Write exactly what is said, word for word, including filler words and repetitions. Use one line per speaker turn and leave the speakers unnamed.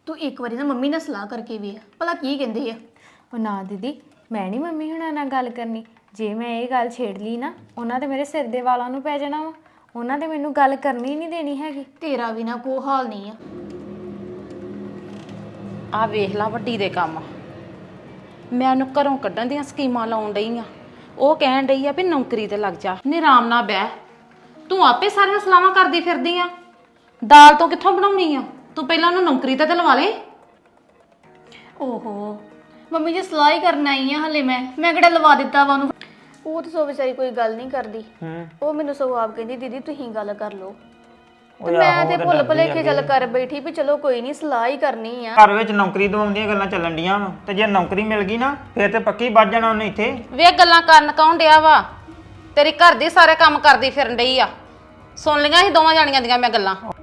ਤੂੰ ਇੱਕ ਵਾਰੀ ਨਾ ਮੰਮੀ ਨਾਲ ਸਲਾਹ ਕਰਕੇ ਵੇਖ ਭਲਾ ਕੀ ਕਹਿੰਦੇ ਆ।
ਉਹ ਨਾ ਦੀਦੀ, ਮੈਂ ਨਹੀਂ ਮੰਮੀ ਹੁਣਾਂ ਨਾਲ ਗੱਲ ਕਰਨੀ। ਜੇ ਮੈਂ ਇਹ ਗੱਲ ਛੇੜ ਲਈ ਨਾ, ਉਹਨਾਂ ਤੇ ਮੇਰੇ ਸਿਰ ਦੇ ਵਾਲਾਂ ਨੂੰ ਪੈ ਜਾਣਾ ਵਾ। ਉਹਨਾਂ ਤੇ ਮੈਨੂੰ ਗੱਲ ਕਰਨੀ ਨਹੀਂ ਦੇਣੀ ਹੈਗੀ।
ਤੇਰਾ ਵੀ ਨਾ ਕੋਈ ਹਾਲ ਨਹੀਂ ਆ।
ਆ ਵੇਖ ਲਾ ਵੱਡੀ ਦੇ ਕੰਮ। ਮੈਂ ਉਹਨੂੰ ਘਰੋਂ ਕੱਢਣ ਦੀਆਂ ਸਕੀਮਾਂ ਲਾਉਣ ਡਈ ਆ। ਉਹ ਕਹਿਣ ਡਈ ਆ ਵੀ ਨੌਕਰੀ ਤੇ ਲੱਗ ਜਾ, ਨੀ ਆਰਾਮ ਨਾਲ ਬਹਿ। ਤੂੰ ਆਪੇ ਸਾਰੀਆਂ ਸਲਾਹਾਂ ਕਰਦੀ ਫਿਰਦੀ ਆ। ਦਾਲ ਤੋਂ ਕਿੱਥੋਂ ਬਣਾਉਣੀ ਆ? ਤੂੰ ਪਹਿਲਾਂ ਉਹਨੂੰ ਨੌਕਰੀ ਤੇ ਤੇ ਲਵਾ ਲੈ।
ਓਹੋ ਮੰਮੀ ਜੀ ਸਲਾਹ ਹੀ ਕਰਨ ਆਈ ਆ ਹਲੇ। ਮੈਂ ਮੈਂ ਕਿਹੜਾ ਲਵਾ ਦਿੱਤਾ ਵਾ ਉਹਨੂੰ। ਉਹ ਤਾਂ ਸੋ ਵਿਚਾਰੀ ਕੋਈ ਗੱਲ ਨਹੀਂ ਕਰਦੀ। ਉਹ ਮੈਨੂੰ ਸਗੋਂ ਆਪ ਕਹਿੰਦੀ ਦੀਦੀ ਤੁਸੀਂ ਗੱਲ ਕਰ ਲਓ। ਤੇ ਮੈਂ ਤੇ ਭੁੱਲ ਭੁਲੇਖੇ ਚੱਲ ਕਰ ਬੈਠੀ ਵੀ ਚਲੋ ਕੋਈ ਨਹੀਂ ਸਲਾਹ ਹੀ ਕਰਨੀ ਆ।
ਘਰ ਵਿੱਚ ਨੌਕਰੀ ਦਵਾਉਣ ਦੀਆਂ ਗੱਲਾਂ ਚੱਲਣ ਡੀਆਂ ਵਾ ਤੇ ਜੇ ਨੌਕਰੀ ਮਿਲ ਗਈ ਨਾ ਫੇਰ ਤੇ ਪੱਕੀ ਵੱਜ ਜਾਣਾ ਉਹਨੇ ਇੱਥੇ।
ਵੇ ਗੱਲਾਂ ਕਰਨ ਕੌਣ ਡਿਆ ਵਾ? ਤੇਰੀ ਘਰ ਦੀ ਸਾਰੇ ਕੰਮ ਕਰਦੀ ਫਿਰਨ ਡਈ ਆ। ਸੁਣ ਲਈਆਂ ਸੀ ਦੋਵਾਂ ਜਾਣੀਆਂ ਦੀਆਂ ਮੈਂ ਗੱਲਾਂ।